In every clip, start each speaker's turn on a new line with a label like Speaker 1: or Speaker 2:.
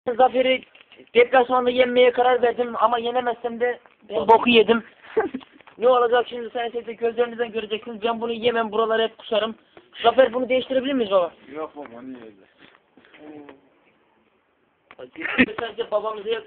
Speaker 1: Zafer'i deplasmanda yenmeye karar verdim ama yenemezsem de ben boku yedim. Ne olacak şimdi sen de gözlerinizden göreceksiniz. Ben bunu yemem, buraları hep kusarım. Zafer bunu değiştirebilir miyiz baba?
Speaker 2: Yok baba niye öyle?
Speaker 1: Sadece babamıza yaz.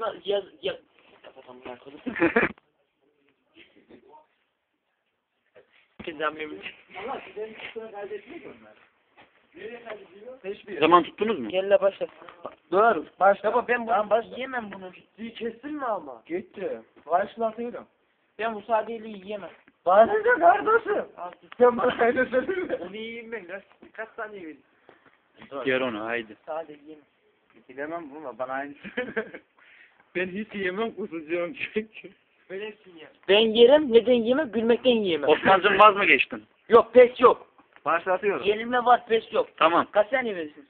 Speaker 3: Zaman tuttunuz mu?
Speaker 1: Gel la başla.
Speaker 2: Dur. Başla.
Speaker 1: Baba ben bunu yemem bunu.
Speaker 2: Kestin mi ama? Gitti. Başlatıyorum.
Speaker 1: Ben bu sadeliği yiyemem.
Speaker 2: Bana ne kardeşim? Sen bana öyle söyleme.
Speaker 1: Onu yiyeyim ben. Kaç tane yiyeyim?
Speaker 3: Yer onu haydi.
Speaker 1: Sade yiyemem.
Speaker 2: Bilemem bunu bana aynı Ben hiç yemem kusacağım çünkü.
Speaker 1: Ben yerim, neden yiyemem? Gülmekten yiyemem.
Speaker 3: Osman'cığım vaz mı geçtin?
Speaker 1: Yok, pes yok.
Speaker 2: Başlatıyorum.
Speaker 1: Yenilme var, pes yok.
Speaker 3: Tamam.
Speaker 1: Kaç saniye verirsin?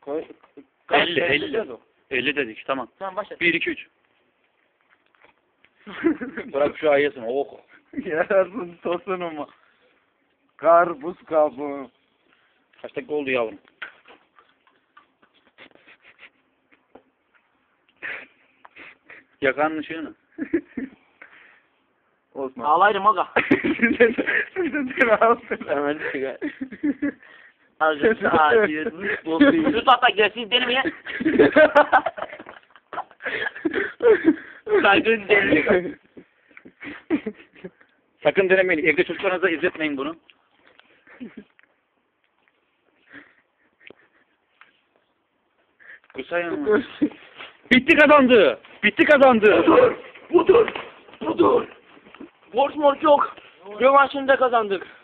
Speaker 3: 50. 50 dedik tamam.
Speaker 1: Tamam başla.
Speaker 3: 1 2 3. Bırak şu ayasın. Oh.
Speaker 2: Yarasın tosunu mu? Karpuz kabuğu.
Speaker 3: Kaç dakika oldu yavrum? Yakanın ışığını.
Speaker 2: Osman.
Speaker 1: Ağlayırım aga.
Speaker 2: Seni alsın.
Speaker 1: Hemen çıkar. Ağzını ağrıyorsun. Şu tahta gelsin denemeye. Sakın denemeyin.
Speaker 3: Sakın denemeyin. Evde çocuklarınıza izletmeyin bunu. Kusayım. Bitti kazandı. Bitti kazandı.
Speaker 1: Budur. Budur. Borç morç yok. Rövanşını da kazandık.